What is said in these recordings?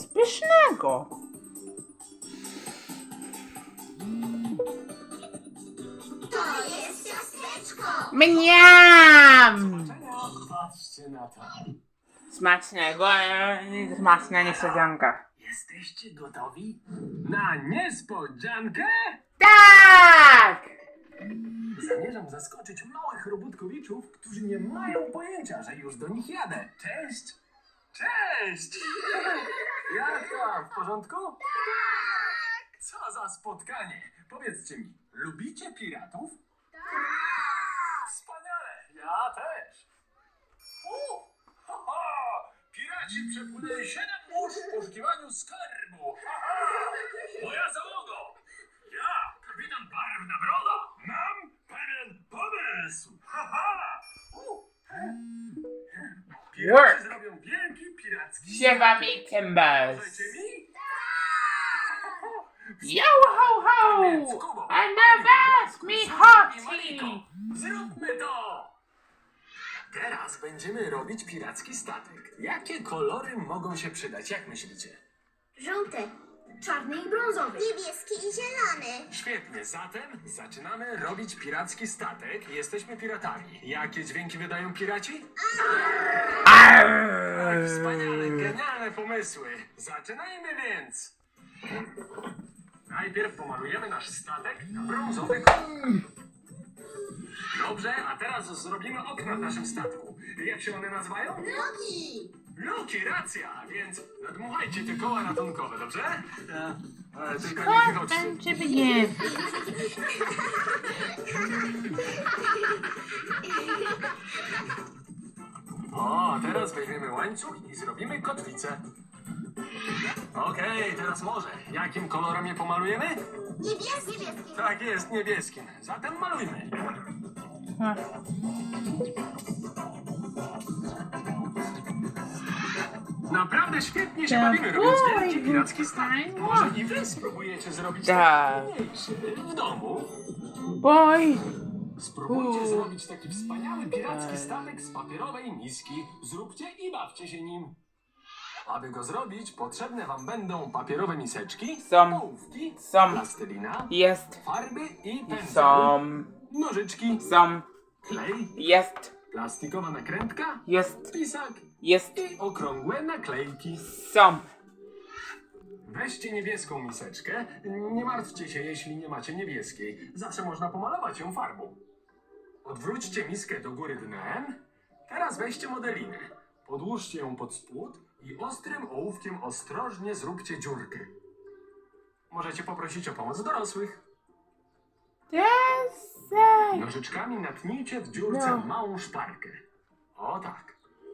pysznego. To jest ciasteczko! Mniam! Patrzcie na to. Smacznego, smaczna niespodzianka. Jesteście gotowi na niespodziankę? Tak! Zamierzam zaskoczyć małych robótkowiczów, którzy nie mają pojęcia, że już do nich jadę. Cześć! Cześć! Jak tam? W porządku? Tak! Co za spotkanie! Powiedzcie mi, lubicie piratów? Tak! Wspaniale! Ja też! Ho, ho! Piraci przepłynęli 7 mórz w poszukiwaniu skarbu! Ha, ha! Moja załogo! Ja, kapitan Barwna Broda, mam pewien pomysł! Ha, ha! Piraci Work. zrobią wielki piracki Siewa mi Możecie cymbals. mi? Yo ho ho! And the best me hottie! Zróbmy to! Teraz będziemy robić piracki statek. Jakie kolory mogą się przydać, jak myślicie? Żółty, czarny i brązowy. Niebieski i zielony. Świetnie, zatem zaczynamy robić piracki statek. Jesteśmy piratami. Jakie dźwięki wydają piraci? Tak, wspaniale, genialne pomysły. Zaczynajmy więc. Najpierw pomalujemy nasz statek na brązowy kolor. Dobrze, a teraz zrobimy okna w naszym statku. Jak się one nazywają? Luki! Luki, racja, więc nadmuchajcie te koła ratunkowe, dobrze? Ale tylko nie wychodźcie. Kocham cię begin. O, teraz weźmiemy łańcuch i zrobimy kotwicę. Okej, teraz może. Jakim kolorem je pomalujemy? Niebieski! Tak jest, niebieskim. Zatem malujmy. Naprawdę świetnie się bawimy, robiąc wielki piracki statek. Może i wy spróbujecie zrobić Tak. taki mniejszy w domu? Boy! Spróbujcie zrobić taki wspaniały piracki statek z papierowej miski. Zróbcie i bawcie się nim. Aby go zrobić, potrzebne wam będą papierowe miseczki, Są. ołówki, Są. plastelina, Jest. farby i pędzel, Są. nożyczki, Są. klej, Jest. plastikowa nakrętka, Jest. pisak Jest. i okrągłe naklejki. Są. Weźcie niebieską miseczkę. Nie martwcie się, jeśli nie macie niebieskiej. Zawsze można pomalować ją farbą. Odwróćcie miskę do góry dnem. Teraz weźcie modelinę. Podłóżcie ją pod spód i ostrym ołówkiem ostrożnie zróbcie dziurkę. Możecie poprosić o pomoc dorosłych. Desej. Nożyczkami natnijcie w dziurce No. małą szparkę. O tak.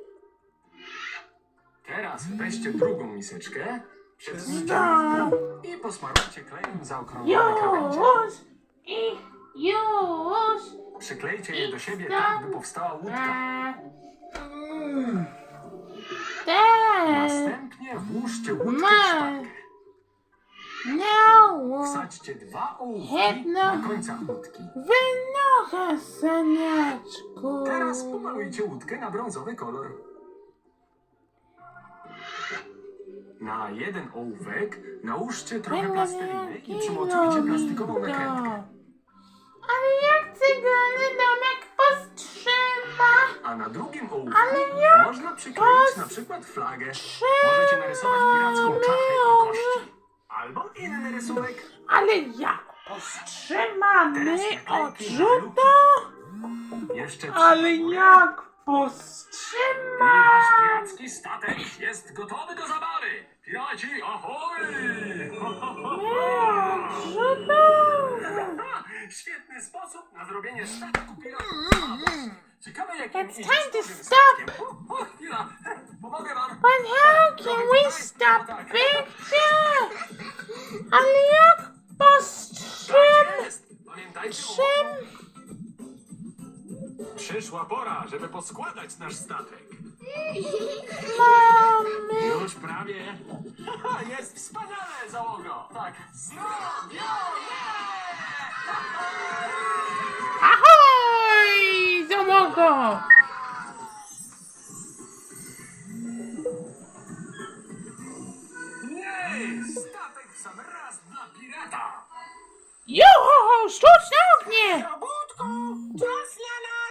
Teraz weźcie drugą miseczkę, przetnijcie ją w pół i posmarujcie klejem zaokrąglone krawędzie. Już. I już. Przyklejcie je do siebie tak, by powstała łódka. Następnie włóżcie łódkę w szparkę. No. Wsadźcie 2 ołówki Jedno. na końcach łódki. Wynocha, saniaczku. Teraz pomalujcie łódkę na brązowy kolor. Na jeden ołówek nałóżcie trochę plasteliny i przymocujcie plastikową nakrętkę. Ale jak cyglany domek powstrzyma. A na drugim ołówku Ale jak można przykleić na przykład flagę. Możecie narysować piracką czachę i kości. Albo inny rysunek. Ale jak powstrzymany Teraz naklejki na odrzuta? Jeszcze Ale trzy na górę. jak I powstrzyma? nasz piracki statek jest gotowy do zabawy. Piraci, ahoj! Ho, ho, ho, ho. Odrzuta. Świetny sposób na zrobienie statku piratów. Ciekawe jakim It's idzie time z to dużym stop. statkiem. O, chwila, pomogę wam. But how can we stop picture? Ale jak Tak powstrzymać? jest. Pamiętajcie o mocy. Przyszła pora, żeby poskładać nasz statek. Mamy. Już prawie. Jest wspaniale, załogo. Tak, zrobione! Ahoj, załogo! sam raz dla pirata! Juhu, sztuczne